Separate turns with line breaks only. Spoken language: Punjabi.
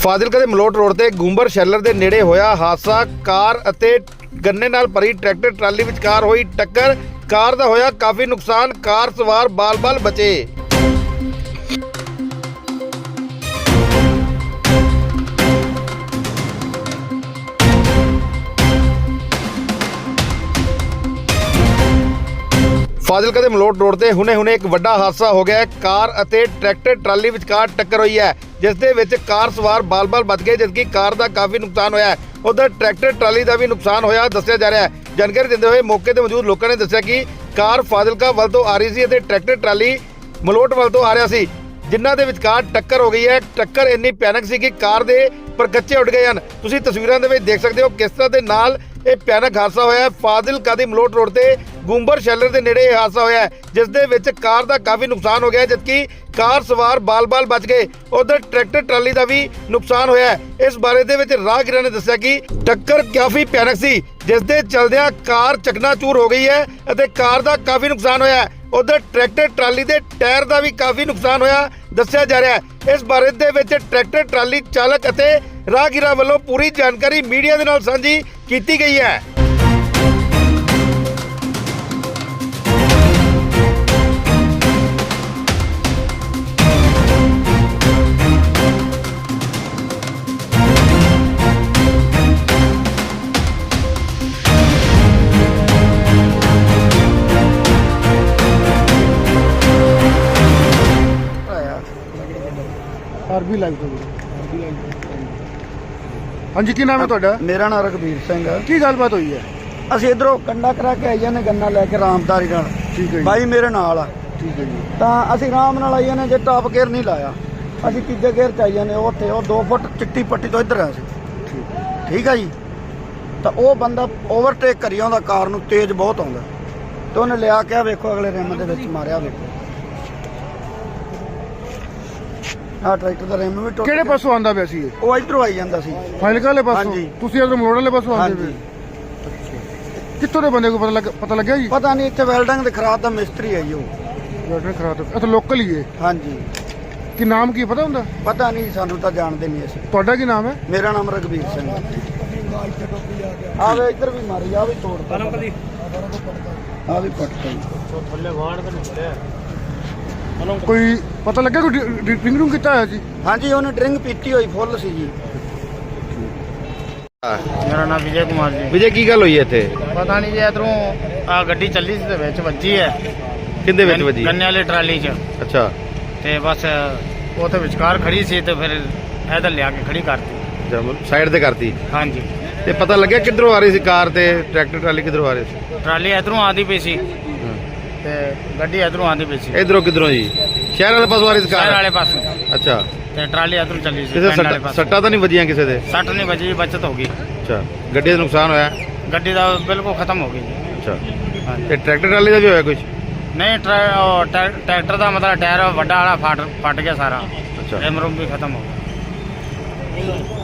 ਫਾਜ਼ਿਲਕਾ ਦੇ ਮਲੋਟ ਰੋਡ ਤੇ ਗੁੰਬਰ ਸ਼ੈਲਰ ਦੇ ਨੇੜੇ ਹੋਇਆ ਹਾਦਸਾ। ਕਾਰ ਅਤੇ ਗੰਨੇ ਨਾਲ ਭਰੀ ਟਰੈਕਟਰ ਟਰਾਲੀ ਵਿਚਕਾਰ ਹੋਈ ਟੱਕਰ। ਕਾਰ ਦਾ ਹੋਇਆ ਕਾਫੀ ਨੁਕਸਾਨ। ਕਾਰ ਸਵਾਰ ਬਾਲ-ਬਾਲ ਬਚੇ। ਫਾਜ਼ਿਲਕਾ ਦੇ ਮਲੋਟ ਰੋਡ ਤੇ ਹੁਣੇ ਇੱਕ ਵੱਡਾ ਹਾਦਸਾ ਹੋ ਗਿਆ ਹੈ। ਕਾਰ ਅਤੇ ਟਰੈਕਟਰ ਟਰਾਲੀ ਵਿਚਕਾਰ ਟੱਕਰ ਹੋਈ ਹੈ, ਜਿਸ ਦੇ ਵਿੱਚ ਕਾਰ ਸਵਾਰ ਬਾਲ-ਬਾਲ ਬਚ ਗਏ, ਜਦਕਿ ਕਾਰ ਦਾ ਕਾਫੀ ਨੁਕਸਾਨ ਹੋਇਆ ਹੈ। ਉਧਰ ਟਰੈਕਟਰ ਟਰਾਲੀ ਦਾ ਵੀ ਨੁਕਸਾਨ ਹੋਇਆ ਦੱਸਿਆ ਜਾ ਰਿਹਾ ਹੈ। ਜਾਣਕਾਰੀ ਦਿੰਦੇ ਹੋਏ ਮੌਕੇ ਤੇ ਮੌਜੂਦ ਲੋਕਾਂ ਨੇ ਦੱਸਿਆ ਕਿ ਕਾਰ ਫਾਜ਼ਿਲਕਾ ਵੱਲ ਤੋਂ ਆ ਰਹੀ ਸੀ ਅਤੇ ਟਰੈਕਟਰ ਟਰਾਲੀ ਮਲੋਟ ਵੱਲ ਤੋਂ ਆ ਰਿਹਾ ਸੀ, ਜਿਨ੍ਹਾਂ ਦੇ ਵਿਚਕਾਰ ਟੱਕਰ ਹੋ ਗਈ ਹੈ। ਟੱਕਰ ਇੰਨੀ ਭਿਆਨਕ ਸੀ ਕਿ ਕਾਰ ਦੇ ਪਰਕੱਚੇ ਉੱਡ ਗਏ ਹਨ। ਤੁਸੀਂ ਤਸਵੀਰਾਂ ਦੇ ਵਿੱਚ ਦੇਖ ਸਕਦੇ ਹੋ ਕਿਸ ਤਰ੍ਹਾਂ ਦੇ ਨਾਲ ਇਹ ਭਿਆਨਕ ਹਾਦਸਾ ਹੋਇਆ ਹੈ। ਫਾਜ਼ਿਲਕਾ ਦੀ ਮਲੋਟ ਰੋਡ ਤੇ ਗੁੰਬਰ ਸ਼ੈਲਰ ਦੇ ਨੇੜੇ ਇਹ ਹਾਦਸਾ ਹੋਇਆ ਹੈ, ਜਿਸ ਦੇ ਵਿੱਚ ਕਾਰ ਦਾ ਕਾਫੀ ਨੁਕਸਾਨ ਹੋ ਗਿਆ, ਜਦਕਿ ਕਾਰ ਸਵਾਰ ਬਾਲ-ਬਾਲ ਬਚ ਗਏ। ਉਧਰ ਟਰੈਕਟਰ ਟਰਾਲੀ ਦਾ ਵੀ ਨੁਕਸਾਨ ਹੋਇਆ ਹੈ। ਇਸ ਬਾਰੇ ਦੇ ਵਿੱਚ ਰਾਹਗੀਰਾਂ ਨੇ ਦੱਸਿਆ ਕਿ ਟੱਕਰ ਕਾਫੀ ਭਿਆਨਕ ਸੀ, ਜਿਸ ਦੇ ਚਲਦਿਆਂ ਕਾਰ ਚਕਨਾਚੂਰ ਹੋ ਗਈ ਹੈ ਅਤੇ ਕਾਰ ਦਾ ਕਾਫੀ ਨੁਕਸਾਨ ਹੋਇਆ ਹੈ। ਉਧਰ ਟਰੈਕਟਰ ਟਰਾਲੀ ਦੇ ਟਾਇਰ ਦਾ ਵੀ ਕਾਫੀ ਨੁਕਸਾਨ ਹੋਇਆ ਦੱਸਿਆ ਜਾ ਰਿਹਾ ਹੈ। ਇਸ ਬਾਰੇ ਦੇ ਵਿੱਚ ਟਰੈਕਟਰ ਟਰਾਲੀ ਚਾਲਕ ਅਤੇ ਰਾਹਗੀਰਾਂ ਵੱਲੋਂ ਪੂਰੀ ਜਾਣਕਾਰੀ ਮੀਡੀਆ ਦੇ ਨਾਲ ਸਾਂਝੀ ਕੀਤੀ ਗਈ ਹੈ।
ਆਰਬੀ ਲਾਈਵ ਤੋਂ ਹਾਂਜੀ, ਕੀ ਨਾਮ ਹੈ ਤੁਹਾਡਾ?
ਮੇਰਾ ਨਾਮ ਰਘਬੀਰ ਸਿੰਘ ਹੈ।
ਕੀ ਗੱਲਬਾਤ ਹੋਈ ਹੈ?
ਅਸੀਂ ਇਧਰੋਂ ਕੰਡਾ ਕਰਾ ਕੇ ਆਈਆਂ ਨੇ ਗੰਨਾ ਲੈ ਕੇ ਰਾਮਦਾਰੀ ਨਾਲ।
ਠੀਕ ਹੈ ਜੀ।
ਬਾਈ ਮੇਰੇ ਨਾਲ ਆ।
ਠੀਕ ਹੈ ਜੀ।
ਤਾਂ ਅਸੀਂ ਆਰਾਮ ਨਾਲ ਆਈਆਂ ਨੇ, ਜੇ ਟਾਪ ਗੇਅਰ ਨਹੀਂ ਲਾਇਆ। ਅਸੀਂ ਤੀਜੇ ਗੇਅਰ 'ਚ ਆਈਆਂ ਨੇ। ਉੱਥੇ ਉਹ 2 ਫੁੱਟ ਚਿੱਟੀ ਪੱਟੀ ਤੋਂ ਇੱਧਰ ਆ ਸੀ। ਠੀਕ ਆ ਜੀ। ਤਾਂ ਉਹ ਬੰਦਾ ਓਵਰਟੇਕ ਕਰੀ ਆਉਂਦਾ, ਕਾਰ ਨੂੰ ਤੇਜ਼ ਬਹੁਤ ਆਉਂਦਾ, ਤੇ ਉਹਨੇ ਲਿਆ ਕੇ ਵੇਖੋ ਅਗਲੇ ਰਿਮ ਦੇ ਵਿੱਚ ਮਾਰਿਆ। ਵੇਖੋ ਆਹ ਟਰੈਕਟਰ ਦਾ ਰਿਮ ਵੀ ਟੁੱਟ
ਕਿਹੜੇ
ਗਿਆ।
ਪਾਸੋਂ ਆਂਦਾ ਪਿਆ ਸੀ ਇਹ?
ਉਹ ਇੱਧਰੋਂ ਆਈ ਜਾਂਦਾ ਸੀ।
ਫਾਜ਼ਿਲਕਾ ਵਾਲੇ ਪਾਸੋਂ?
ਹਾਂਜੀ।
ਤੁਸੀਂ ਇਧਰ ਮਲੋੜ ਵਾਲੇ ਪਾਸੋਂ ਆਉਂਦੇ
ਹਾਂਜੀ।
ਪਏ? ਕਿੱਥੋਂ ਦੇ ਬੰਦੇ ਕੋ ਪਤਾ ਲੱਗਿਆ ਜੀ?
ਪਤਾ ਨਹੀਂ, ਇੱਥੇ ਵੈਲਡਿੰਗ ਦੇ ਖਰਾਬ ਦਾ ਮਿਸਤਰੀ ਹੈ ਜੀ ਉਹ।
ਬੈਟਰੀ ਖਰਾਬ ਹੈ। ਲੋਕਲ ਹੀ ਹੈ?
ਹਾਂਜੀ।
ਕੀ ਨਾਮ ਕੀ ਪਤਾ ਹੁੰਦਾ?
ਪਤਾ ਨਹੀਂ, ਸਾਨੂੰ ਤਾਂ ਜਾਣਦੇ ਨਹੀਂ ਅਸੀਂ।
ਤੁਹਾਡਾ ਕੀ ਨਾਮ ਹੈ?
ਮੇਰਾ ਨਾਮ ਰਘਬੀਰ ਸਿੰਘ ਹੈ। ਆਵੇ ਇੱਧਰ ਵੀ ਮਾਰੀ, ਆ ਵੀ ਤੋੜ ਆ ਵੀ ਪੱਟ ਗਈ।
ਕੋਈ ਪਤਾ ਲੱਗਿਆ ਕੋਈ ਡਰਿੰਕ ਰੂਮ ਕੀਤਾ ਹੋਇਆ ਜੀ?
ਹਾਂਜੀ, ਉਹਨੇ ਡਰਿੰਕ ਪੀਤੀ ਹੋਈ ਫੁੱਲ ਸੀ ਜੀ।
ਮੇਰਾ ਨਾਮ ਵਿਜੇ ਕੁਮਾਰ ਜੀ।
ਵਿਜੇ, ਕੀ ਗੱਲ ਹੋਈ ਹੈ ਇੱਥੇ?
ਪਤਾ ਨਹੀਂ ਜੀ, ਇਧਰੋਂ ਆ ਗੱਡੀ ਚੱਲੀ ਸੀ ਤੇ ਵਿੱਚ ਵੱਜੀ ਹੈ।
ਕਿੰਦੇ ਵਿੱਚ ਵੱਜੀ?
ਗੰਨੇ ਵਾਲੀ ਟਰਾਲੀ 'ਚ।
ਅੱਛਾ।
ਤੇ ਬਸ ਉਹ ਤੇ ਵਿਚਕਾਰ ਖੜੀ ਸੀ ਤੇ ਫਿਰ ਇਧਰ ਲਿਆ ਕੇ ਖੜੀ ਕਰਤੀ।
ਸਾਈਡ ਤੇ ਕਰਤੀ।
ਹਾਂਜੀ।
ਤੇ ਪਤਾ ਲੱਗਿਆ ਕਿੱਧਰੋਂ ਆ ਰਹੀ ਸੀ ਕਾਰ ਤੇ ਟਰੈਕਟਰ ਟਰਾਲੀ ਕਿੱਧਰੋਂ ਆ ਰਹੀ ਸੀ?
ਟਰਾਲੀ ਇਧਰੋਂ ਆਉਂਦੀ ਪਈ ਸੀ ਤੇ ਗੱਡੀ ਇਧਰੋਂ ਆਉਂਦੀ ਪਈ ਸੀ।
ਇਧਰੋਂ ਕਿੱਧਰੋਂ ਜੀ? ਸ਼ਹਿਰ ਵਾਲੇ ਪਾਸੋਂ ਆ ਰਹੀ ਸੀ
ਸ਼ਹਿਰ
ਕਾਰ?
ਵਾਲੇ ਪਾਸੋਂ।
ਅੱਛਾ।
ਤੇ ਟਰਾਲੀ ਇਧਰੋਂ ਚੱਲੀ ਸੀ
ਕਿਸੇ
ਪਿੰਡ ਵਾਲੇ ਪਾਸੋਂ।
ਸੱਟਾਂ ਤਾਂ ਨਹੀਂ ਵੱਜੀਆਂ ਕਿਸੇ ਦੇ?
ਸੱਟ ਨਹੀਂ ਵੱਜੀ, ਬਚਤ ਹੋ ਗਈ।
ਅੱਛਾ। ਗੱਡੀ ਦਾ ਨੁਕਸਾਨ ਹੋਇਆ?
ਗੱਡੀ ਦਾ ਬਿਲਕੁਲ ਖਤਮ ਹੋ ਗਈ ਜੀ।
ਅੱਛਾ।
ਹਾਂਜੀ।
ਤੇ ਟਰੈਕਟਰ ਟਰਾਲੀ ਦਾ ਵੀ ਹੋਇਆ ਕੁਝ?
ਨਹੀਂ, ਟਰੈਕਟਰ ਦਾ ਮਤਲਬ ਟਾਇਰ ਵੱਡਾ ਵਾਲਾ ਫਟ ਗਿਆ ਸਾਰਾ।
ਅੱਛਾ।
ਰਿਮ ਰੂਮ ਵੀ ਖਤਮ ਹੋ ਗਿਆ।